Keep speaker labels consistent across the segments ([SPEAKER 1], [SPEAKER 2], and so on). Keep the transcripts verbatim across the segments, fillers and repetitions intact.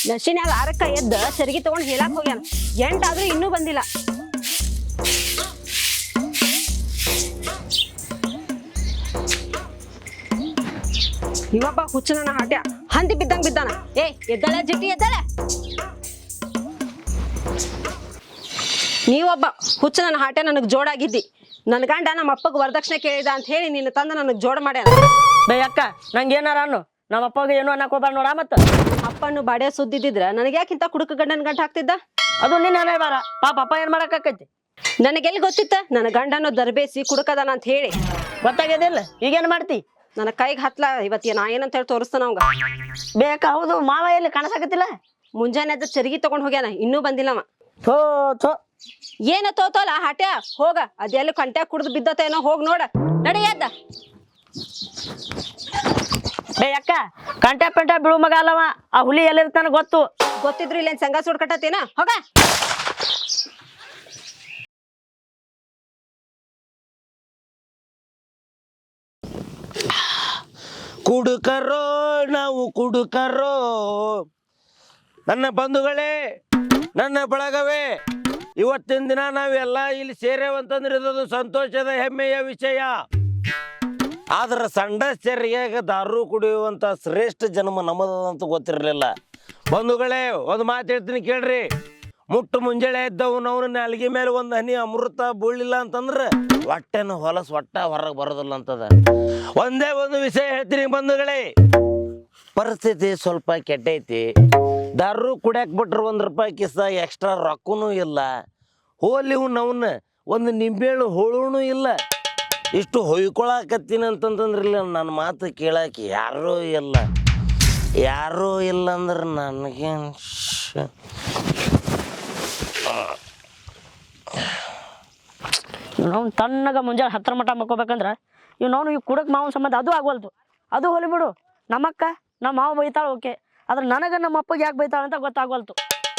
[SPEAKER 1] ನಶಿನ್ಯಾಗ ಆರಕ್ಕ ಎದ್ದ ಸರಿಗೆ ತಗೊಂಡ್ ಹೇಳಾಕ್ ಹೋಗ್ಯಾನ. ಎಂಟಾದ್ರೂ ಇನ್ನೂ ಬಂದಿಲ್ಲ. ಇವಬ್ಬ ಹುಚ್ಚನ ಹಾಟ್ಯ ಹಂದಿ ಬಿದ್ದಂಗ್ ಬಿದ್ದಾನ. ಏ ಎದ್ದಳ ಜಿಟ್ಟಿ ಎದ್ದಳ. ನೀವೊಬ್ಬ ಹುಚ್ಚನ ಹಾಟ್ಯ ನನಗ್ ಜೋಡಾಗಿದ್ದಿ. ನನ್ ಗಂಡ ನಮ್ಮ ಅಪ್ಪಗ್ ವರದಕ್ಷಿಣೆ ಕೇಳಿದ ಅಂತ ಹೇಳಿ ನಿನ್ನ ತಂದ ನನಗ್ ಜೋಡ ಮಾಡ್ಯಾನ.
[SPEAKER 2] ಬೇ ಅಕ್ಕ ನಂಗೆ ಏನಾರ ಅನ್ನು ನಮ್ಮ ಅಪ್ಪಗೆ ಏನು ಅನ್ನಕ್ ಹೋಗ್ಬಾರ ನೋಡ. ಮತ್ತ
[SPEAKER 1] ಅಪ್ಪನ್ನು ಬಾಡ್ಯ ಸುದ್ದಿದ್ರ ನನಗೆ ಯಾಕಿಂತ ಕುಡುಕ ಗಂಡನ ಗಂಟ ಹಾಕ್ತಿದ್ದ?
[SPEAKER 2] ಅದು ನಿನ್ನ ಹಣೆ ಬಾರ. ಪಾಪ ಅಪ್ಪ ಏನ್ ಮಾಡಕ್ ಆಕೈತಿ?
[SPEAKER 1] ನನಗೆಲ್ಲಿ ಗೊತ್ತಿತ್ತ ನನ್ನ ಗಂಡನು ದರ್ಬೇಸಿ ಕುಡುಕದಾನ ಅಂತ ಹೇಳಿ?
[SPEAKER 2] ಗೊತ್ತಾಗ್ಯದಿಲ್ಲ. ಈಗೇನ್ ಮಾಡ್ತಿ?
[SPEAKER 1] ನನ್ನ ಕೈಗೆ ಹತ್ಲ ಇವತ್ತಿ ನಾ ಏನಂತ ಹೇಳಿ ತೋರಿಸ್ತಾನ ಅವಂಗ.
[SPEAKER 2] ಬೇಕ ಹೌದು. ಮಾವ ಎಲ್ಲಿ ಕಾಣಸಾಕತ್ತಿಲ್ಲ?
[SPEAKER 1] ಮುಂಜಾನೆ ಅದ ಚರ್ಗಿ ತಗೊಂಡ್ ಹೋಗ್ಯಾನ, ಇನ್ನೂ ಬಂದಿಲ್ಲವ.
[SPEAKER 2] ಥೋ ಥೋ
[SPEAKER 1] ಏನ ತೋತೋಲ ಹಾಟ್ಯ ಹೋಗ. ಅದೆಲ್ಲಿ ಕಂಟ್ಯಾಗ ಕುಡ್ದು ಬಿದ್ದತೇನೋ ಹೋಗ್ ನೋಡ. ನಡೆಯದ್ದ.
[SPEAKER 2] ಬೇ ಅಕ್ಕ ಕಂಟೆ ಪೆಂಟೆ ಬಿಳು ಮಗ ಅಲ್ಲವ. ಆ ಹುಲಿ ಎಲ್ಲಿರ್ತಾನ ಗೊತ್ತು.
[SPEAKER 1] ಗೊತ್ತಿದ್ರು ಇಲ್ಲೇನ್ ಸಂಘ ಸುಡ್ಕಟ್ಟತೇನ? ಹೋಗ.
[SPEAKER 3] ಕುಡುಕರೋ ನಾವು ಕುಡುಕರೋ. ನನ್ನ ಬಂಧುಗಳೇ, ನನ್ನ ಬಳಗವೇ, ಇವತ್ತಿನ ದಿನ ನಾವೆಲ್ಲ ಇಲ್ಲಿ ಸೇರೇವಂತಂದ್ರೆ ಇದೊಂದು ಸಂತೋಷದ ಹೆಮ್ಮೆಯ ವಿಷಯ. ಆದ್ರೆ ಸಣ್ಣ ಚರ್ಯಾಗ ದಾರು ಕುಡಿಯುವಂಥ ಶ್ರೇಷ್ಠ ಜನ್ಮ ನಮ್ಮದಂತ ಗೊತ್ತಿರಲಿಲ್ಲ. ಬಂಧುಗಳೇ, ಒಂದು ಮಾತು ಹೇಳ್ತೀನಿ ಕೇಳ್ರಿ. ಮುಟ್ಟು ಮುಂಜಾನೆ ಇದ್ದವು ನಾವು ನಾಲ್ಗೆ ಮೇಲೆ ಒಂದು ಹನಿ ಅಮೃತ ಬೀಳಿಲ್ಲ ಅಂತಂದ್ರೆ ಹೊಟ್ಟೆನ ಹೊಲಸು ಹೊಟ್ಟ ಹೊರಗೆ ಬರೋದಿಲ್ಲ ಅಂತದ. ಒಂದೇ ಒಂದು ವಿಷಯ ಹೇಳ್ತೀನಿ ಬಂಧುಗಳೇ, ಪರಿಸ್ಥಿತಿ ಸ್ವಲ್ಪ ಕೆಟ್ಟೈತಿ. ದಾರು ಕುಡಿಯಾಕ್ ಬಿಟ್ರೆ ಒಂದು ರೂಪಾಯಿ ಕಿಸ ಎಕ್ಸ್ಟ್ರಾ ರೊಕ್ಕನೂ ಇಲ್ಲ. ಹೋಲಿ ನವನ್ನ ಒಂದು ನಿಂಬೆಹಣ್ಣು ಹೋಳೂ ಇಲ್ಲ. ಇಷ್ಟು ಹೊಯ್ಕೊಳಕತ್ತೀನಿ ಅಂತಂತಂದ್ರಿಲ್ಲ, ನನ್ನ ಮಾತು ಕೇಳಕ್ಕೆ ಯಾರೂ ಇಲ್ಲ. ಯಾರೂ ಇಲ್ಲ ಅಂದ್ರೆ ನನಗೇನು
[SPEAKER 2] ನಾವು ತಣ್ಣಗ ಮುಂಜಾನೆ ಹತ್ತರ ಮಟ್ಟ ಮಕ್ಕೋಬೇಕಂದ್ರ ಇವ್ ನಾವು ಇವ್ ಕುಡಕ್ ಮಾವನ ಸಂಬಂಧ ಅದು ಆಗ್ವಲ್ತು. ಅದು ಹೊಲಿ ಬಿಡು. ನಮ್ಮಕ್ಕ ನಮ್ಮ ಮಾವ ಬೈತಾಳ ಓಕೆ, ಆದ್ರೆ ನನಗ ನಮ್ಮ ಅಪ್ಪಗೆ ಯಾಕೆ ಬೈತಾಳ ಅಂತ ಗೊತ್ತಾಗ್ವಲ್ತು.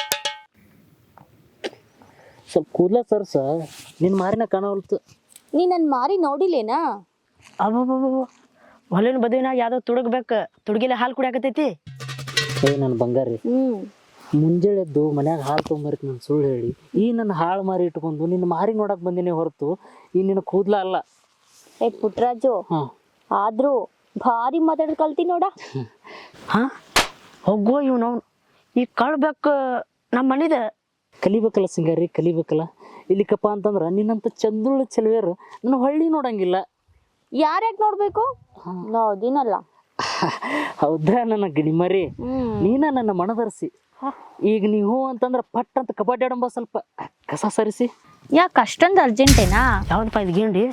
[SPEAKER 4] ಸ್ವಲ್ಪ ಕೂದಲ ಸರ್ಸ ನಿನ್ನ ಮಾರಿನ ಕಾಣವಲ್ತು.
[SPEAKER 5] ನೀ ನನ್ನ ಮಾರಿ ನೋಡಿಲೇನಾ?
[SPEAKER 2] ಅಬ್ಬಬ್ಬ ಹೊಲಿನ ಬದುವಿನಾಗ ಯಾವ್ದೋ ತುಡುಗ್ಬೇಕು. ತುಡುಗಿಲೆ ಹಾಲು ಕುಡಿಯಾಕತೈತಿ.
[SPEAKER 4] ಏ ನನ್ನ ಬಂಗಾರಿ,
[SPEAKER 5] ಹ್ಮ್
[SPEAKER 4] ಮುಂಜಾನೆ ಎದ್ದು ಮನ್ಯಾಗ ಹಾಲು ತೊಗೊಂಬರ್ತಿ ನಾನು ಸುಳ್ಳು ಹೇಳಿ ಈ ನನ್ನ ಹಾಳು ಮಾರಿ ಇಟ್ಕೊಂಡು ನಿನ್ನ ಮಾರಿ ನೋಡಕ್ ಬಂದಿನಿ ಹೊರತು ಈ ನಿನ್ನ ಕೂದಲ ಅಲ್ಲ.
[SPEAKER 5] ಏ ಪುಟ್ರಾಜು, ಆದ್ರೂ ಭಾರಿ ಮಾತಾಡ್ ಕಲ್ತಿ ನೋಡ.
[SPEAKER 2] ಹಾ ಹೋಗೋ ಇವ್ ನಾವು ಈಗ ಕಳ್ಬೇಕು ನಮ್ಮ ಮನಿದ.
[SPEAKER 4] ಕಲಿಬೇಕಲ್ಲ ಸಿಂಗಾರಿ, ಕಲಿಬೇಕಲ್ಲ. ಇಲ್ಲಿಕಪ್ಪ ಅಂತಂದ್ರ ನಿನ್ನಂತ ಚಂದುಳ್ಳ ಚೆಲುವೆರು ನನ್ನ ಹೊಳ್ಳಿ ನೋಡಂಗಿಲ್ಲ.
[SPEAKER 5] ಯಾರ್ಯಾಕ್ ನೋಡ್ಬೇಕು? ನಾದಿನಲ್ಲ.
[SPEAKER 4] ಹೌದಾ ನನ್ನ ಗಿಣಿಮರಿ, ನೀನ ನನ್ನ ಮನದರ್ಸಿ. ಈಗ ನೀವು ಅಂತಂದ್ರ ಪಟ್ ಅಂತ ಕಬಡ್ಡಿ ಆಡಂಬ ಸ್ವಲ್ಪ ಕಸ ಸರಿಸಿ.
[SPEAKER 5] ಯಾಕೆ ಅಷ್ಟೊಂದು ಅರ್ಜೆಂಟೇನಾ?
[SPEAKER 2] ಯಾವ್ದಪ್ಪ ಇದು ಗೇಂಡಿ?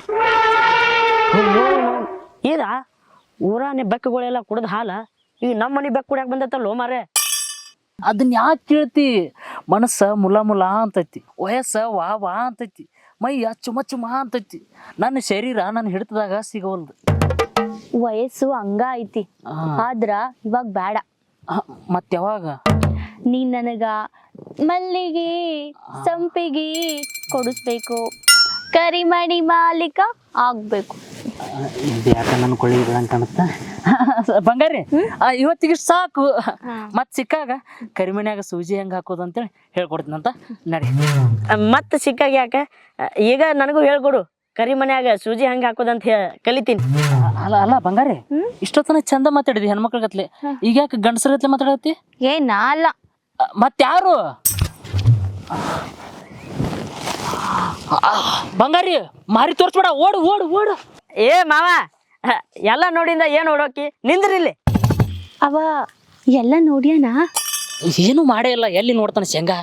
[SPEAKER 2] ಇದ ಊರಾನೆ ಬೆಕ್ಕುಗಳೆಲ್ಲ ಕುಡ್ದ ಹಾಲ ಈಗ ನಮ್ಮ ಮನೆ ಬೆಕ್ಕು ಕುಡಿಯಾಕ ಬಂದತ್ತಲ್ಲೋ ಮಾರೇ.
[SPEAKER 4] ಅದನ್ನ ಯಾಕೆ ಕೇಳ್ತಿ? ಮನಸ್ಸ ಮುಲ ಮುಲ ಅಂತೈತಿ, ವಯಸ್ಸ ವಾ ವಾ ಅಂತೈತಿ, ಮೈಯ ಚುಮ ಚುಮ ಅಂತೈತಿ. ನನ್ನ ಶರೀರ ನನ್ನ ಹಿಡಿತದಾಗ ಸಿಗವಲ್ದು.
[SPEAKER 5] ವಯಸ್ಸು ಹಂಗ ಐತಿ, ಆದ್ರ ಇವಾಗ ಬೇಡ.
[SPEAKER 4] ಮತ್ತೆ ಯಾವಾಗ?
[SPEAKER 5] ನೀನ್ ನನಗ ಮಲ್ಲಿಗೆ ಸಂಪಿಗೆ ಕೊಡಿಸ್ಬೇಕು, ಕರಿಮಣಿ ಮಾಲೀಕ ಆಗ್ಬೇಕು.
[SPEAKER 4] ಯಾಕ ನನ್ನ ಕೊಳ್ಳಿ ಬಿಡಂಗ್ ಕಾಣುತ್ತ ಬಂಗಾರಿ. ಇವತ್ತಿಗೆ ಸಾಕು. ಮತ್ ಸಿಕ್ಕಾಗ ಕರಿಮನ್ಯಾಗ ಸೂಜಿ ಹೆಂಗ್ ಹಾಕೋದು ಅಂತೇಳಿ ಹೇಳ್ಕೊಡ್ತೀನಂತ ನಡಿ.
[SPEAKER 2] ಮತ್ ಸಿಕ್ಕಾಗ ಯಾಕ ಈಗ ನನಗೂ ಹೇಳ್ಕೊಡು. ಕರಿ ಮನ್ಯಾಗ ಸೂಜಿ ಹಂಗ ಹಾಕೋದಂತ ಕಲಿತೀನಿ.
[SPEAKER 4] ಅಲ್ಲ ಅಲ್ಲ ಬಂಗಾರಿ, ಇಷ್ಟೊತ್ತನ ಚಂದ ಮಾತಾಡಿದಿ ಹೆಣ್ಮಕ್ಳ ಗತ್ಲೆ, ಈಗ ಯಾಕೆ ಗಂಡಸರ ಗತ್ಲೆ ಮಾತಾಡತ್ತಿ?
[SPEAKER 5] ಏ ನಾ ಅಲ್ಲ
[SPEAKER 4] ಮತ್ಯಾರು? ಬಂಗಾರಿ ಮಾರಿ ತೋರ್ಸ್ಬೇಡ, ಓಡು ಓಡು ಓಡು.
[SPEAKER 2] ಏ ಮಾವ, ಎಲ್ಲ ನೋಡಿಂದ ಏನ್ ಓಡೋಕಿ ನಿಂದ್ರಿಲ್ಲಿ.
[SPEAKER 5] ಅವ ಎಲ್ಲ ನೋಡ್ಯಾನ?
[SPEAKER 4] ಏನು ಮಾಡೇ ಇಲ್ಲ. ಎಲ್ಲಿ ನೋಡ್ತಾನ ಶೇಂಗಾ?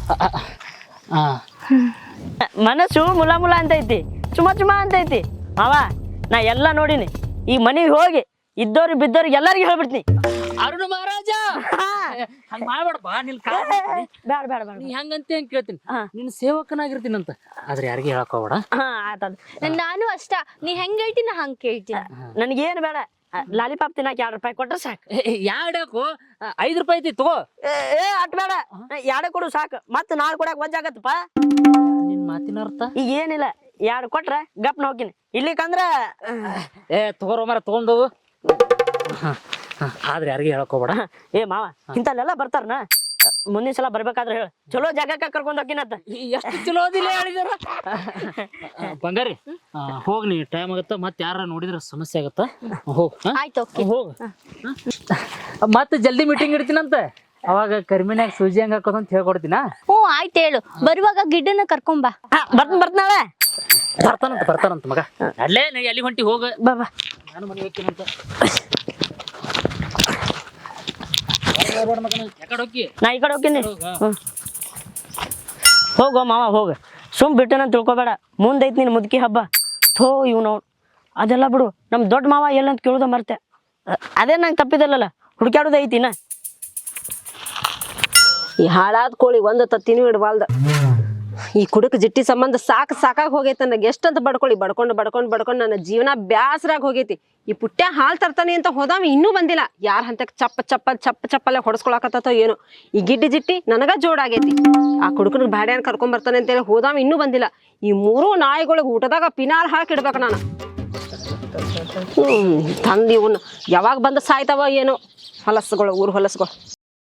[SPEAKER 2] ಮನಸ್ಸು ಮುಲ ಮುಲ ಅಂತೈತಿ, ಚುಮ ಚುಮ ಅಂತೈತಿ. ಮಾವ ನಾ ಎಲ್ಲ ನೋಡಿನಿ. ಈ ಮನೆಗೆ ಹೋಗಿ ಇದ್ದವ್ರಿಗೆ ಬಿದ್ದವ್ರಿಗೆ ಎಲ್ಲರಿಗೂ ಹೇಳ್ಬಿಡ್ತೀನಿ.
[SPEAKER 4] ಅರುಣ ಮಹಾರಾಜ ಹಂಗ ಮಾಡ್ಬೇಡಪ್ಪ. ನಿನ್
[SPEAKER 2] ಬೇಡ ಬೇಡ ಬೇಡ,
[SPEAKER 4] ನೀ ಹೆಂಗಂತ ಹೆಂಗ್ ಕೇಳ್ತೀನಿ. ನಿನ್ ಸೇವಕನಾಗಿರ್ತೀನಂತ, ಆದ್ರೆ ಯಾರಿಗೆ ಹೇಳಕ್ ಹೋಗ್ಬೇಡ.
[SPEAKER 2] ಹಾ ಆತದ.
[SPEAKER 5] ನಾನು ಅಷ್ಟ, ನೀ ಹೆಂಗ್ ಹೇಳ್ತೀನಿ ನಾ ಹಂಗ ಕೇಳ್ತೀನಿ.
[SPEAKER 2] ನನಗೇನು ಬೇಡ, ಲಾಲಿಪಾಪ್ ತಿನ್ನಾಕ ಎರಡು ರೂಪಾಯಿ ಕೊಟ್ರೆ ಸಾಕು.
[SPEAKER 4] ಯಾಡಕು ಐದು ರೂಪಾಯಿ ಐತಿ ತಗೋ.
[SPEAKER 2] ಏ ಅಟ್ ಬೇಡ, ಎರಡು ಕೊಡು ಸಾಕು. ಮತ್ತೆ ನಾಳೆ ಕೊಡಕ್ ವಜ್ಜಾಗತ್ತಪ್ಪ.
[SPEAKER 4] ನಿನ್ ಮಾತಿನ ಅರ್ಥ
[SPEAKER 2] ಈಗ ಏನಿಲ್ಲ, ಎರಡು ಕೊಟ್ರೆ ಗಪ್ನ ಹೋಗಿನಿ. ಇಲ್ಲಿಕಂದ್ರ
[SPEAKER 4] ಏ ತಗೋರೋ ಮರ ತಗೊಂಡು. ಆದ್ರೆ ಯಾರಿಗೆ ಹೇಳಕ್ ಹೋಗ್ಬೇಡ.
[SPEAKER 2] ಏ ಮಾವ ಇಂತಲ್ಲೆಲ್ಲ ಬರ್ತಾರನ. ಮುಂದಿನ ಸಲ ಬರ್ಬೇಕಾದ್ರೆ ಹೇಳ ಚಲೋ ಜಾಗಕ್ಕ ಕರ್ಕೊಂಡ್ ಹೋಗಿನತ್ತ.
[SPEAKER 4] ಎಷ್ಟು ಚಲೋ ಅದಿಲ್ಲ ಹೇಳಿದಾರ. ಬಂಗಾರಿ ಹೋಗ್ ನೀ ಟೈಮ್ ಆಗತ್ತ ಮತ್ತೆ ಯಾರ ನೋಡಿದ್ರ ಸಮಸ್ಯೆ ಆಗತ್ತ. ಹೋಗ್ ಹಾ?
[SPEAKER 5] ಆಯ್ತು ಓಕೆ.
[SPEAKER 4] ಹೋಗ್ ಮತ್ತೆ ಜಲ್ದಿ ಮೀಟಿಂಗ್ ಇಡ್ತೀನಂತ. ಅವಾಗ ಕರ್ಮಿನ್ಯಾಗ ಸೂಜಿ ಹಂಗ ಹಾಕೋದಂತ ಹೇಳ್ಕೊಡ್ತೀನ.
[SPEAKER 5] ಹ್ಞೂ ಆಯ್ತು ಹೇಳು. ಬರುವಾಗ ಗಿಡ್ಡನ್ನ ಕರ್ಕೊಂಬಾ.
[SPEAKER 2] ಬರ್ತ ಬರ್ತಾಳೆ
[SPEAKER 4] ಬರ್ತಾನಂತ ಬರ್ತಾನಂತ ಮಗ. ಅಲ್ಲೇ ನೀ ಎಲ್ಲಿ ಹೊಂಟಿ ಹೋಗ.
[SPEAKER 2] ಬಾ ಬಾ
[SPEAKER 4] ನಾನು ಮನೆ ಹೋಗ್ತೀನಂತ. ಯಾಕಡೆ ಹೋಗಿ
[SPEAKER 2] ನಾ ಈ ಕಡೆ ಹೋಗ್ತೀನಿ. ಹ್ಮ್ ಹೋಗೋ ಮಾವ ಹೋಗ. ಸುಮ್ ಬಿಟ್ಟನ ತಿಳ್ಕೊಬೇಡ. ಮುಂದೈತಿ ನೀನು ಮುದುಕಿ ಹಬ್ಬ. ಥೋ ಇವ್ ನೋಡ್ ಅದೆಲ್ಲ ಬಿಡು. ನಮ್ ದೊಡ್ಡ ಮಾವ ಎಲ್ಲಂತ ಕೇಳುದ ಮರ್ತೆ. ಅದೇ ನಂಗೆ ತಪ್ಪಿದಲ್ಲಲ್ಲ ಹುಡುಕ್ಯಾಡುದ ಐತಿನ.
[SPEAKER 1] ಈ ಹಾಳಾದ ಕೋಳಿ ಒಂದು ತತ್ತಿನೂ ಇಡಬಾಲ್ದ. ಈ ಕುಡುಕ ಜಿಟ್ಟಿ ಸಂಬಂಧ ಸಾಕು ಸಾಕಾಗಿ ಹೋಗೈತೆ. ನನಗೆ ಎಷ್ಟಂತ ಬಡ್ಕೊಳ್ಳಿ ಬಡ್ಕೊಂಡು ಬಡ್ಕೊಂಡು ಬಡ್ಕೊಂಡು ನನ್ನ ಜೀವನ ಬ್ಯಾಸರಾಗಿ ಹೋಗೈತಿ. ಈ ಪುಟ್ಟ ಹಾಲು ತರ್ತಾನೆ ಅಂತ ಹೋದಾವ ಇನ್ನೂ ಬಂದಿಲ್ಲ. ಯಾರ ಹಂತಕ್ಕೆ ಚಪ್ಪ ಚಪ್ಪ ಚಪ್ಪ ಚಪ್ಪಲ್ಲೇ ಹೊಡ್ಸ್ಕೊಳಕತ್ತೋ ಏನೋ. ಈ ಗಿಡ್ಡಿ ಜಿಟ್ಟಿ ನನಗ ಜೋಡಾಗೈತಿ. ಆ ಕುಡುಕನ ಬ್ಯಾಡ್ಯಾನ್ ಕರ್ಕೊಂಡ್ ಬರ್ತಾನೆ ಅಂತೇಳಿ ಹೋದಾವ ಇನ್ನೂ ಬಂದಿಲ್ಲ. ಈ ಮೂರು ನಾಯಿಗಳಿಗೆ ಊಟದಾಗ ಪಿನಾಲ್ ಹಾಕಿಡ್ಬೇಕು ನಾನು. ಹ್ಮ್ ತಂದು ಇವನ್ನ ಯಾವಾಗ ಬಂದು ಸಾಯ್ತಾವ ಏನೋ ಹೊಲಸುಗಳು, ಊರು ಹೊಲಸುಗಳು.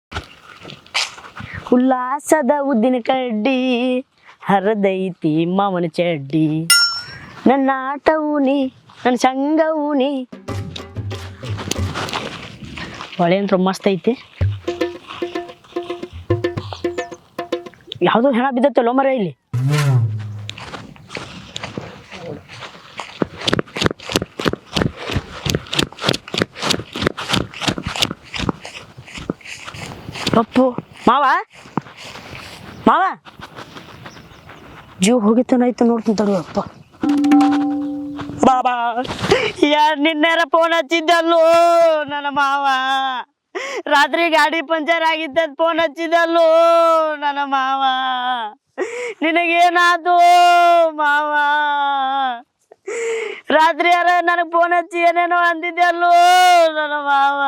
[SPEAKER 2] ಉಲ್ಲಾಸದ ಉದ್ದಿನ ಕಡ್ಡಿ ಹರದೈತಿ ಮಾವನ ಚಡ್ಡಿ. ನನ್ನ ಆಟವು ನೀ ನನ್ನ ಸಂಗವು ನೀ. ಹೊಳೆ ಅಂತ ಮಸ್ತ್ ಐತಿ. ಯಾವ್ದೋ ಹೆಣ ಬಿದ್ದತ್ತಲ್ಲೋ ಮರ ಇಲ್ಲಿ. ಅಪ್ಪು ಮಾವ ಮಾವ ಜೀವ ಹೋಗಿತ್ತನಾಯ್ತು ನೋಡ್ತೀನಿ ತಡಿ. ಅಪ್ಪ ಬಾಬಾ ಯಾರು ನಿನ್ನೆರ ಫೋನ್ ಹಚ್ಚಿದ್ದಲ್ಲೋ ನನ್ನ ಮಾವ. ರಾತ್ರಿ ಗಾಡಿ ಪಂಚರ್ ಆಗಿದ್ದ ಫೋನ್ ಹಚ್ಚಿದ್ದಲ್ಲೋ ನನ್ನ ಮಾವ. ನಿನಗೇನಾದು ಮಾವ? ರಾತ್ರಿ ಯಾರ ನನಗೆ ಫೋನ್ ಹಚ್ಚಿ ಏನೇನೋ ಅಂದಿದ್ದಲ್ಲೋ ನನ್ನ ಮಾವ.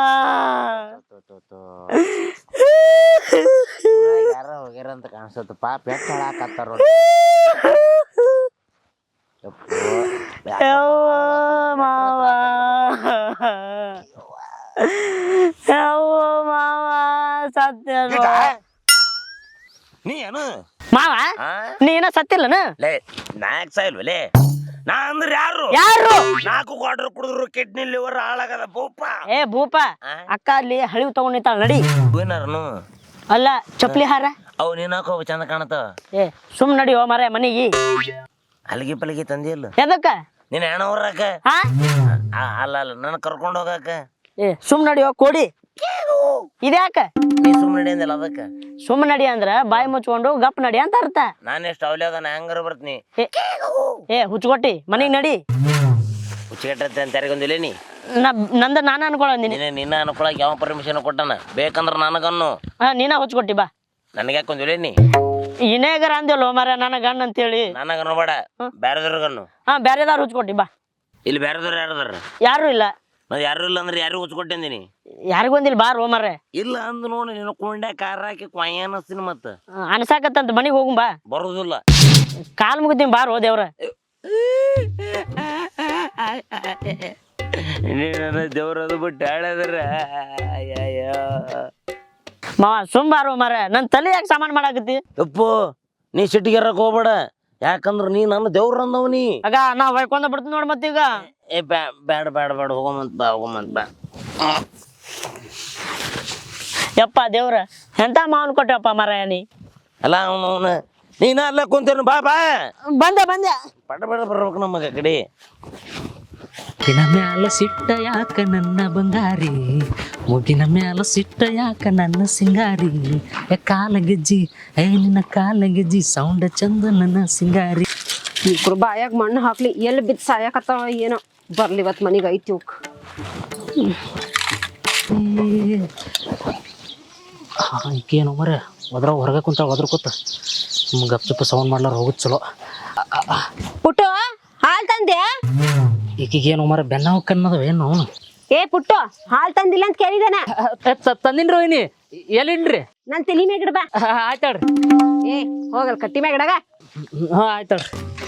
[SPEAKER 3] ಯಾರ ಹೋಗ್ಯಾರ ಅಂತ ಕಾಣಿಸುತ್ತ. ಪಾಪ ಎಷ್ಟು ಹಾಳಾಕತ್ತಾರ.
[SPEAKER 2] ಮಾವ ಯವ್ವ ಮಾವ ಸತ್ಯ
[SPEAKER 3] ನೀ ಏನು
[SPEAKER 2] ಮಾವ ನೀ ಏನ ಸತ್ತಿಲ್ಲನ?
[SPEAKER 3] ಲೇ ನಾಯಕ್ ಸಾಯಿಲ್ವಲೇ. ನಾ ಅಂದ್ರೆ ಯಾರು
[SPEAKER 2] ಯಾರು?
[SPEAKER 3] ನಾಲ್ಕು ಕ್ವಾರ್ಟರ್ ಕುಡಿದ್ರು ಕಿಡ್ನಿ ಲಿವರ್ ಹಾಳಾಗದ ಭೂಪ.
[SPEAKER 2] ಏ ಭೂಪ ಅಕ್ಕ ಅಲ್ಲಿ ಹಳಿವು ತಗೊಂಡ್ ನಿಂತಾಳ ನಡಿ.
[SPEAKER 3] ಏನಾರನು
[SPEAKER 2] ಅಲ್ಲ ಚಪ್ಲಿ ಹಾರ
[SPEAKER 3] ಅವು ನೀನ್ ಹಾಕೋ ಚಂದ ಕಾಣತಾವ.
[SPEAKER 2] ಏ ಸುಮ್ ನಡಿ ಓ ಮರ ಮನಿಗೆ.
[SPEAKER 3] ಅಲ್ಗಿ ಪಲ್ಗಿ ತಂದಿಲ್ಲ
[SPEAKER 2] ಎದಕ್ಕ?
[SPEAKER 3] ನೀನ್ ಹೆಣ ಹೊರಕ.
[SPEAKER 2] ಹಾ
[SPEAKER 3] ಅಲ್ಲ ಅಲ್ಲ ನನ್ ಕರ್ಕೊಂಡ್ ಹೋಗಾಕ.
[SPEAKER 2] ಏ ಸುಮ್ ನಡಿ ಓ ಕೋಡಿ. ಇದ್ಯಾಕ
[SPEAKER 3] ನೀ ಸುಮ್ ನಡಿ ಅಂದಿಲ್ಲ ಅದಕ್ಕ.
[SPEAKER 2] ಸುಮ್ ನಡಿ ಅಂದ್ರ ಬಾಯಿ ಮುಚ್ಕೊಂಡು ಗಪ್ ನಡಿ ಅಂತ ಅರ್ಥ.
[SPEAKER 3] ನಾನ್ ಎಷ್ಟು ಅವಲ್ಯಾದ ನಾ ಹೆಂಗಾರ ಬರ್ತೀನಿ.
[SPEAKER 2] ಏ ಹುಚ್ಕೊಟ್ಟಿ ಮನಿಗ್ ನಡಿ.
[SPEAKER 3] ಹುಚ್ಚಿಗೆಟ್ಟತ್ತೆ ಅಂತ ಯಾರಿಗೊಂದಿಲ್ಲ ನೀ.
[SPEAKER 2] ನಂದ ನಾನ ಅನ್ಕೊಳಂದಿನಿ.
[SPEAKER 3] ನೀನೆ ನಿನ್ನ ಅನ್ಕೊಳಕ್ ಯಾವ ಪರ್ಮಿಷನ್ ಕೊಟ್ಟನ? ಬೇಕಂದ್ರ ನನಗನ್ನು.
[SPEAKER 2] ಹಾ ನೀನ ಹುಚ್ಕೊಟ್ಟಿ ಬಾ.
[SPEAKER 3] ನನಗೆ ಯಾಕೊಂದಿಲ್ಲ ನೀ.
[SPEAKER 2] ಇನೇಗರ ಅಂದಿಲ್ಲ ಮರ ನನ್ನ ಗಣ್ಣ ಅಂತೇಳಿ.
[SPEAKER 3] ನನಗನ್ನು ಬೇಡ ಬ್ಯಾರದವ್ರಿಗನ್ನು.
[SPEAKER 2] ಹಾ ಬ್ಯಾರೆದಾರು ಹುಚ್ಕೊಟ್ಟಿ ಬಾ.
[SPEAKER 3] ಇಲ್ಲಿ ಬ್ಯಾರದವ್ರು ಯಾರದಾರ?
[SPEAKER 2] ಯಾರು ಇಲ್ಲ.
[SPEAKER 3] ನಾವ್ ಯಾರು ಇಲ್ಲ ಅಂದ್ರೆ ಯಾರು ಹುಚ್ಕೊಟ್ಟಿದ್ದೀನಿ.
[SPEAKER 2] ಯಾರಿಗೊಂದಿಲ್ಲ ಬಾರ್ ಓ ಮರ.
[SPEAKER 3] ಇಲ್ಲ ಅಂದ್ ನೋಡಿ ನೀನು ಕೊಂಡ್ಯಾ ಕಾರ್ ಹಾಕಿ ಕೊಯ್ಯ ಅನ್ನಸ್ತೀನಿ. ಮತ್ತ
[SPEAKER 2] ಅನ್ಸಾಕತ್ತಂತ ಮನಿಗ್ ಹೋಗುಂ ಬಾ.
[SPEAKER 3] ಬರುದಿಲ್ಲ.
[SPEAKER 2] ಕಾಲ್ ಮುಗಿತೀನಿ ಬಾರ್ ಓ ದೇವ್ರ.
[SPEAKER 3] ದೇವ್ರದು ಬಿಟ್ಟು ಹೇಳದ್ರ
[SPEAKER 2] ಮಾವ ಸುಮ್ ಬಾರೋ ಮರ. ನನ್ ತಲೆ ಯಾಕೆ ಸಾಮಾನ್ ಮಾಡಾಕತ್ತಿ?
[SPEAKER 3] ಅಪ್ಪು ನೀ ಸಿಟ್ಟಿಗೆರಕ್ ಹೋಗ್ಬೇಡ. ಯಾಕಂದ್ರ ನೀ ನನ್ನ ದೇವ್ರ ಅಂದವ್ ನೀ.
[SPEAKER 2] ಆಗ ನಾ ಹೊಯ್ಕೊಂಡ ಬಿಡ್ತೀನಿ ನೋಡ್ ಮತ್ತೀಗ.
[SPEAKER 3] ಏ ಬ್ಯಾ ಬ್ಯಾಡ ಬ್ಯಾಡ ಬ್ಯಾಡ ಹೋಗಮಂತ ಬಾ ಹೋಗಮಂತ ಬಾ.
[SPEAKER 2] ಯಪ್ಪ ದೇವ್ರ ಎಂತ ಮಾವನ್ ಕೊಟ್ಟಪ್ಪ ಮರ ನೀ.
[SPEAKER 3] ಅಲ್ಲ ಅವನು ಅವನು ನೀನ ಅಲ್ಲ ಕುಂತೇನು. ಬಾ ಬಾ
[SPEAKER 2] ಬಂದೆ ಬಂದೆ.
[SPEAKER 3] ಪಡ ಬೇಡ ಬರ್ಬೇಕು ನಮಗ ಕಡೆ.
[SPEAKER 4] ಮುಗಿನ ಮ್ಯಾಲ ಸಿಟ್ಟ ಯಾಕ ನನ್ನ ಬಂಗಾರಿ, ಮುಗಿನ ಮ್ಯಾಲ ಸಿಟ್ಟ ಯಾಕ ನನ್ನ ಸಿಂಗಾರಿ. ಕಾಲ ಗೆಜ್ಜಿ ಏ ನಿನ್ನ ಕಾಲ ಗೆಜ್ಜಿ ಸೌಂಡ ಚಂದ ನನ್ನ ಸಿಂಗಾರಿ.
[SPEAKER 1] ಇಬ್ರು ಬಾಯಾಗ ಮಣ್ಣು ಹಾಕ್ಲಿ ಎಲ್ಲಿ ಬಿದ್ದು ಸಾಯಕತ್ತಾವ ಏನೋ. ಬರ್ಲಿ ಇವತ್ತು ಮನಿಗೆ ಐತಿ ಉಕ್.
[SPEAKER 4] ಈಗೇನು ಮರ ಒದ್ರ ಹೊರಗೆ ಕುಂತ ಒದ್ರ ಕೂತ ಗಪ್ ಚುಪ್ಪ ಸೌಂಡ್ ಮಾಡ್ಲಾರ ಹೋಗುದ್ ಚಲೋ.
[SPEAKER 1] ಪುಟ್ಟು ಹಾಲ್ ತಂದೆ?
[SPEAKER 4] ಈಗೀಗೇನು ಮರ ಬೆನ್ನವ ಕನ್ನದವ ಏನು ಅವನು.
[SPEAKER 1] ಏ ಪುಟ್ಟು ಹಾಲ್ ತಂದಿಲ್ಲ ಅಂತ ಕೇಳಿದಾನೆ.
[SPEAKER 4] ತಂದಿನ್ರಿ ವೈನಿ ಎಲ್ಲಿನ್ರಿ?
[SPEAKER 1] ನನ್ ತಲಿ ಮ್ಯಾಗ ಇಡ್ಬಾ.
[SPEAKER 4] ಆಯ್ತಾಳ್ರಿ.
[SPEAKER 1] ಏ ಹೋಗಲ್ ಕಟ್ಟಿ ಮ್ಯಾಗ ಇಡಗ.
[SPEAKER 4] ಹಾ ಆಯ್ತಾಳ್ರಿ.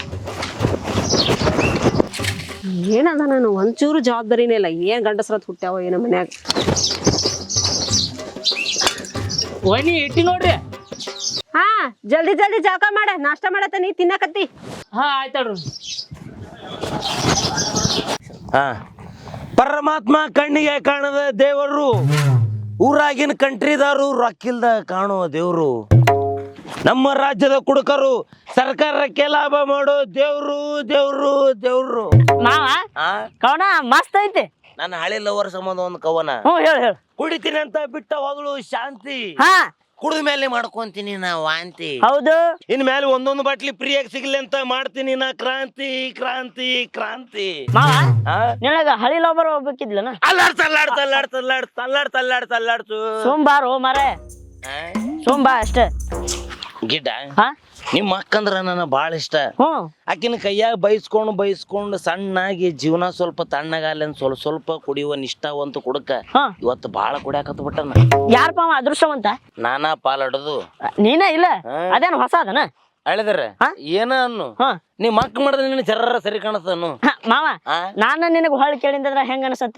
[SPEAKER 1] ಏನದ ನಾನು ಒಂಚೂರು ಜವಾಬ್ದಾರಿನೇ ಇಲ್ಲ. ಏನ್ ಗಂಡಸ್ರತ್ ಹುಟ್ಟ್ಯಾವ ಏನೋ ಮನ್ಯಾಗ.
[SPEAKER 4] ವೈನಿ ಇಟ್ಟಿ ನೋಡ್ರಿ.
[SPEAKER 1] ಹಾ ಜಲ್ದಿ ಜಲ್ದಿ ಜಳಕ ಮಾಡ, ನಾಷ್ಟ ಮಾಡತ್ತ ನೀ ತಿನ್ನಕತ್ತಿ.
[SPEAKER 4] ಹಾ ಆಯ್ತಾಳ್ರಿ.
[SPEAKER 3] ಹಾ ಪರಮಾತ್ಮ ಕಣ್ಣಿಗೆ ಕಾಣದ ದೇವರು, ಊರಾಗಿನ ಕಂಟ್ರಿದಾರು ರೊಕ್ಕಿಲ್ದ ಕಾಣುವ ದೇವ್ರು, ನಮ್ಮ ರಾಜ್ಯದ ಕುಡುಕರು ಸರ್ಕಾರಕ್ಕೆ ಲಾಭ ಮಾಡೋ ದೇವ್ರು ದೇವ್ರು ದೇವ್ರು.
[SPEAKER 2] ಮಾವ
[SPEAKER 3] ಆ
[SPEAKER 2] ಕವನ ಮಸ್ತ್ ಐತಿ.
[SPEAKER 3] ನನ್ನ ಹಳೆ ಲವರ್ ಸಂಬಂಧ ಒಂದು ಕವನ.
[SPEAKER 2] ಹ್ಞೂ ಹೇಳು ಹೇಳು.
[SPEAKER 3] ಕುಡಿತೀನಿ ಅಂತ ಬಿಟ್ಟ ಹೋದಳು ಶಾಂತಿ,
[SPEAKER 2] ಹಾ
[SPEAKER 3] ಕುಡಿದ ಮೇಲೆ ಮಾಡ್ಕೊಂತೀನಿ ನಾ ವಾಂತಿ,
[SPEAKER 2] ಹೌದು.
[SPEAKER 3] ಇನ್ ಮೇಲೆ ಒಂದೊಂದು ಬಾಟ್ಲಿ ಫ್ರೀಯಾಗಿ ಸಿಗ್ಲಿ ಅಂತ ಮಾಡ್ತೀನಿ ನಾ ಕ್ರಾಂತಿ ಕ್ರಾಂತಿ ಕ್ರಾಂತಿ.
[SPEAKER 2] ಮಾವ
[SPEAKER 3] ಆ?
[SPEAKER 2] ನಿನಗ ಹಳಿ ಲೋಬರ್ ಹೋಗ್ಬೇಕಿದ್ಲನ?
[SPEAKER 3] ಅಲ್ಲಾಡ್ತ ಅಲ್ಲಾಡ್ತ ಅಲ್ಲಾಡ್ತ ಅಲ್ಲಾಡ್ತ ಅಲ್ಲಾಡ್ತ ಅಲ್ಲಾಡ್ತ ಅಲ್ಲಾಡ್ತು
[SPEAKER 2] ಸೋಮವಾರ ಓ ಮಾರೇ, ಸೋಮಬಾ ಅಷ್ಟೇ.
[SPEAKER 3] ಗಿಡ್ಡ
[SPEAKER 2] ಹಾ
[SPEAKER 3] ನಿಮ್ಮ ಅಕ್ಕಂದ್ರ ನನ್ನ ಬಾಳ ಇಷ್ಟ.
[SPEAKER 2] ಹ್ಞೂ
[SPEAKER 3] ಆಕಿನ ಕೈಯಾಗ ಬೈಸ್ಕೊಂಡು ಬೈಸ್ಕೊಂಡು ಸಣ್ಣಾಗಿ ಜೀವನ ಸ್ವಲ್ಪ ತಣ್ಣಗಾಲ ಸ್ವಲ್ಪ ಸ್ವಲ್ಪ ಕುಡಿಯುವ ನಿಷ್ಠಾವಂತ ಕುಡಕ
[SPEAKER 2] ಹಾ
[SPEAKER 3] ಇವತ್ತು ಬಾಳ ಕುಡಿಯಾಕತ್ ಬಿಟ್ಟನ.
[SPEAKER 2] ಯಾರಪ್ಪ ಅವ ಅದೃಷ್ಟವಂತ?
[SPEAKER 3] ನಾನಾ ಪಾಲಡದು
[SPEAKER 2] ನೀನೇ ಇಲ್ಲ?
[SPEAKER 3] ಹಾ.
[SPEAKER 2] ಅದೇನು ಹೊಸ ಅದನ?
[SPEAKER 3] ಹೇಳಿದ್ರ
[SPEAKER 2] ಹಾ?
[SPEAKER 3] ಏನ ಅನ್ನು
[SPEAKER 2] ಹಾ
[SPEAKER 3] ನೀ ಮಕ್ ಮಾಡಿದ್ರೆ ನಿನ್ನ ಜರ್ರ ಸರಿ ಕಾಣತನು.
[SPEAKER 2] ಹ, ಮಾವ
[SPEAKER 3] ಆ?
[SPEAKER 2] ನಾನು ನಿನಗೆ ಹೊಳ್ಳಿ ಕೇಳಿದ್ರ ಹೆಂಗ ಅನಸತ್ತ?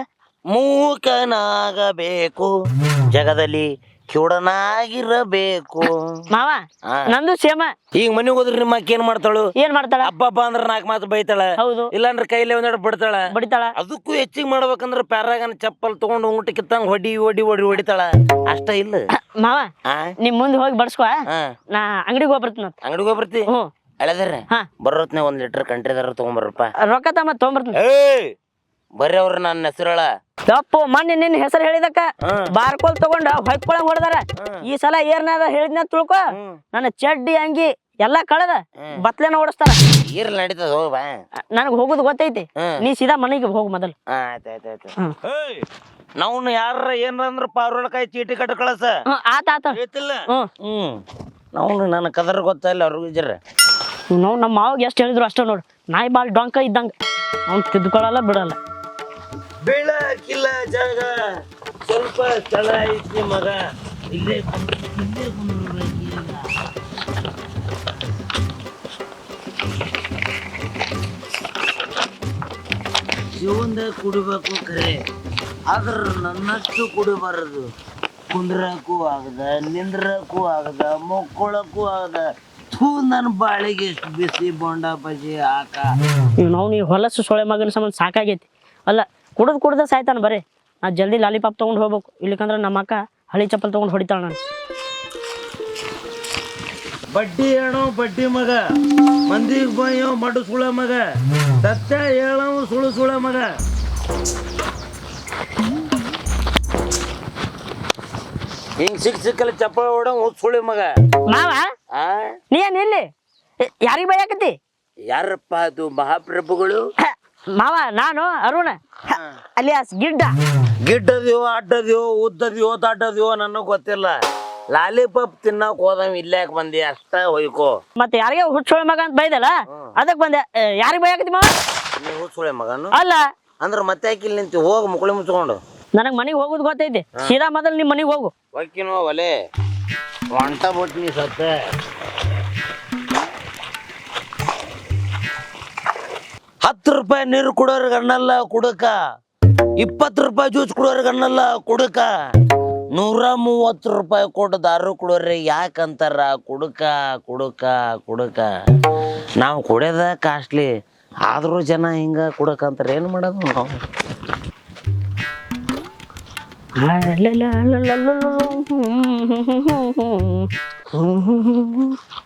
[SPEAKER 3] ಮೂಕನಾಗಬೇಕು ಜಗದಲ್ಲಿ ಕಿವುಡನಾಗಿರಬೇಕು.
[SPEAKER 2] ಮಾವ
[SPEAKER 3] ಆ.
[SPEAKER 2] ನಂದು ಸೇಮ.
[SPEAKER 3] ಈಗ ಮನೆಗೆ ಹೋದ್ರೆ ನಿಮ್ಮ ಅಕ್ಕ ಏನ್ ಮಾಡ್ತಾಳು?
[SPEAKER 2] ಏನ್ ಮಾಡ್ತಾಳ?
[SPEAKER 3] ಹಬ್ಬ ಅಂದ್ರ ನಾಲ್ಕು ಮಾತು ಬೈತಾಳ,
[SPEAKER 2] ಹೌದು
[SPEAKER 3] ಇಲ್ಲಾಂದ್ರೆ ಕೈಲೇ ಒಂದೆರಡು ಬಿಡ್ತಾಳ.
[SPEAKER 2] ಬಡಿತಾಳ.
[SPEAKER 3] ಅದಕ್ಕೂ ಹೆಚ್ಚಿಗೆ ಮಾಡ್ಬೇಕಂದ್ರ ಪ್ಯಾರಾಗನ ಚಪ್ಪಲ್ ತಗೊಂಡು ಊಟ ಕಿತ್ತಂಗ್ ಹೊಡಿ ಹೊಡಿ ಹೊಡಿ ಹೊಡಿತಾಳ. ಅಷ್ಟ ಇಲ್ಲ
[SPEAKER 2] ಮಾವ
[SPEAKER 3] ಆ
[SPEAKER 2] ನಿಮ್ ಮುಂದೆ ಹೋಗಿ ಬಡ್ಸ್ಕೊ,
[SPEAKER 3] ಹಾ
[SPEAKER 2] ನಾ ಅಂಗಡಿಗೆ ಹೋಗ್ಬರ್ತೀನಿ.
[SPEAKER 3] ಅಂಗಡಿಗೆ ಹೋಗ್ಬರ್ತಿ?
[SPEAKER 2] ಹ್ಞೂ
[SPEAKER 3] ಅಳದ್ರ
[SPEAKER 2] ಹಾ
[SPEAKER 3] ಬರೋತ್ನೆ ಒಂದ್ ಲೀಟರ್ ಕಂಟ್ರಿದಾರ ತಗೊಂಬರ್ರಪ್ಪ.
[SPEAKER 2] ರೊಕ್ಕ ತಮ್ಮ ತೊಗೊಂಬರ್ತೀನಿ.
[SPEAKER 3] ಏಯ್ ಬರ್ರಿ ಅವ್ರ ನನ್ನ ಹೆಸರಳ.
[SPEAKER 2] ತಪ್ಪು, ಮೊನ್ನೆ ನಿನ್ನ ಹೆಸರು ಹೇಳಿದಕ್ಕ
[SPEAKER 3] ಹ್ಮ್.
[SPEAKER 2] ಬಾರ್ಕೋಲ್ ತಗೊಂಡ ಹೊಯ್ಕೊಳಂಗ್ ಹೊಡೆದಾರ. ಈ ಸಲ ಏರ್ನಾರ ಹೇಳಿದ್ನ ತಿಳ್ಕೊ,
[SPEAKER 3] ಹ್ಮ್.
[SPEAKER 2] ನನ್ನ ಚಡ್ಡಿ ಅಂಗಿ ಎಲ್ಲಾ ಕಳೆದ
[SPEAKER 3] ಹ್ಮ್.
[SPEAKER 2] ಬತ್ಲೆನ ಓಡಿಸ್ತಾರ.
[SPEAKER 3] ಇರ್ಲಿ ನಡೀತದ ಹೋಗ್ ಬಾ.
[SPEAKER 2] ನನಗ್ ಹೋಗುದು ಗೊತ್ತೈತಿ.
[SPEAKER 3] ಹ್ಮ್.
[SPEAKER 2] ನೀ ಸೀದಾ ಮನೆಗೆ ಹೋಗು ಮೊದಲು.
[SPEAKER 3] ಆಯ್ತಾಯ್ತಾಯ್ತು.
[SPEAKER 2] ಹ್ಮ್.
[SPEAKER 3] ಏಯ್ ನಾವು ಯಾರ ಏನ್ರ ಪಾರ್ವಳಕಾಯಿ ಚೀಟಿ ಕಟ್ಟ ಕಳಸ
[SPEAKER 2] ಹ್ಮ್ ಆತ ಆತ.
[SPEAKER 3] ಐತಿಲ್ಲ.
[SPEAKER 2] ಹ್ಮ್
[SPEAKER 3] ಹ್ಮ್ ನಾವು ನನ್ನ ಕದರ್ ಗೊತ್ತಿಲ್ಲ ಅವ್ರಿಗೂ ಜರ.
[SPEAKER 2] ನಾವು ನಮ್ಮ ಮಾವಾಗ ಎಷ್ಟು ಹೇಳಿದ್ರು ಅಷ್ಟ ನೋಡು, ನಾಯಿ ಬಾಳ್ ಡೊಂಕ ಇದ್ದಂಗ, ಅವ್ನು ತಿದ್ಕೊಳ್ಳಲ್ಲ ಬಿಡಲ್ಲ.
[SPEAKER 3] ಬೆಳಕಿಲ್ಲ ಜಾಗ ಸ್ವಲ್ಪ ಸ್ಥಳ ಐತಿ ಮಗ, ಇಲ್ಲೇ ಕುಂದ್ರು, ಇಲ್ಲೇ ಕುಂದ್ರು ಈಗ. ಜೀವನದಾಗ ಕುಡಿಬೇಕು ಖರೆ, ಆದ್ರ ನನ್ನಷ್ಟು ಕುಡಿಬಾರದು. ಕುಂದ್ರಕ್ಕೂ ಆಗದ, ನಿಂದ್ರಕ್ಕೂ ಆಗದ, ಮುಕ್ಕೊಳಕ್ಕೂ ಆಗದ. ಥೂ ನನ್ನ ಬಾಳಿಗೆ ಎಷ್ಟು ಬಿಸಿ ಬೋಂಡ ಬಜಿ ಹಾಕ.
[SPEAKER 2] ಇವ್ ನಾವು ನೀವು ಹೊಲಸು ಸೊಳೆ ಮಗನ ಸಂಬಂಧ ಸಾಕಾಗೈತಿ. ಅಲ್ಲ ಕುಡ್ದು ಕುಡ್ದ ಸಾಯ್ತಾನ ಬರೀ. ನಾ ಜಲ್ದಿ ಲಾಲಿಪಾಪ್ ತೊಗೊಂಡು ಹೋಗ್ಬೇಕು, ಇಲ್ಲಿಕಂದ್ರೆ ನಮ್ಮ ಅಕ್ಕ ಹಳಿ ಚಪ್ಪಲ್ ತೊಗೊಂಡು ಹೊಡಿತಾಳ ನಾನು.
[SPEAKER 3] ಬಡ್ಡಿ ಹೇಳೋ ಬಡ್ಡಿ ಮಗ, ಮಂದಿಗೆ ಬಯ್ಯೋ ಮಡು ಸುಳ ಮಗ, ಸತ್ಯ ಹೇಳೋ ಸುಳು ಸುಳ ಮಗ. ಹಿಂಗ್ ಸಿಕ್ ಸಿಕ್ಕಲ್ಲಿ ಚಪ್ಪಳ ಹೊಡೋ ಸುಳಿ ಮಗ.
[SPEAKER 2] ಮಾವ
[SPEAKER 3] ಆ
[SPEAKER 2] ನೀ ಏನ್ ಇಲ್ಲಿ ಯಾರಿಗೆ ಬೈಯಾಕತಿ?
[SPEAKER 3] ಯಾರಪ್ಪ ಅದು ಮಹಾಪ್ರಭುಗಳು?
[SPEAKER 2] ಹ, ಮಾವ ನಾನು ಅರುಣ ಅಲಿಯಾಸ್ ಗಿಡ್ಡ.
[SPEAKER 3] ಗಿಡ್ಡದ್ಯೋ ಅಡ್ಡದ್ಯೋ ಉದ್ದದ್ಯೋ ದಡ್ಡದ್ಯೋ ನನಗ್ ಗೊತ್ತಿಲ್ಲ. ಲಾಲಿಪಾಪ್ ತಿನ್ನಕ್ ಹೋದವ್ ಇಲ್ಲಾಕ್ ಬಂದಿ ಅಷ್ಟ ಹೊಯ್ಕೋ.
[SPEAKER 2] ಮತ್ತೆ ಯಾರಿಗೆ ಹುಚ್ಚೋಳ ಮಗ ಅಂತ ಬೈದಲ್ಲ ಅದಕ್ ಬಂದೆ. ಯಾರಿಗೆ ಬೈಯಾಕತಿ ಮಾವ?
[SPEAKER 3] ನೀವು ಸುಳೆ ಮಗನು
[SPEAKER 2] ಅಲ್ಲ
[SPEAKER 3] ಅಂದ್ರ ಮತ್ತೆ ಯಾಕಿಲ್ ನಿಂತಿ, ಹೋಗಿ ಮುಕುಳಿ ಮುಚ್ಕೊಂಡು.
[SPEAKER 2] ನನಗ್ ಮನೆಗೆ ಹೋಗುದು ಗೊತ್ತೈತಿ, ಸೀದಾ ಮೊದಲು ನಿಮ್ ಮನೆಗೆ ಹೋಗು.
[SPEAKER 3] ಹೊಕ್ಕಿನೋ ಒಲೆ ಹೊಂಟ ಬಿಟ್ನಿ ಸತ್ತ. ಹತ್ತು ರೂಪಾಯಿ ನೀರು ಕುಡೋರ್ಗೆ ಅನ್ನಲ್ಲ ಕುಡಕ, ಇಪ್ಪತ್ತು ರೂಪಾಯಿ ಜ್ಯೂಸ್ ಕುಡೋರ್ಗೆ ಅನ್ನಲ್ಲ ಕುಡಕ, ನೂರ ಮೂವತ್ತು ರೂಪಾಯಿ ಕೊಟ್ಟು ದಾರು ಕುಡೋರಿ ಯಾಕಂತಾರ ಕುಡುಕ ಕುಡುಕ ಕುಡುಕ. ನಾವು ಕುಡಿಯೋದ ಕಾಸ್ಟ್ಲಿ, ಆದ್ರೂ ಜನ ಹಿಂಗ ಕುಡಕಂತಾರ, ಏನು ಮಾಡೋದು ನಾವು?
[SPEAKER 2] ಅಲ್ಲಲ್ಲ ಅಲ್ಲಲ್ಲ ಅಲ್ಲಲ್ಲ.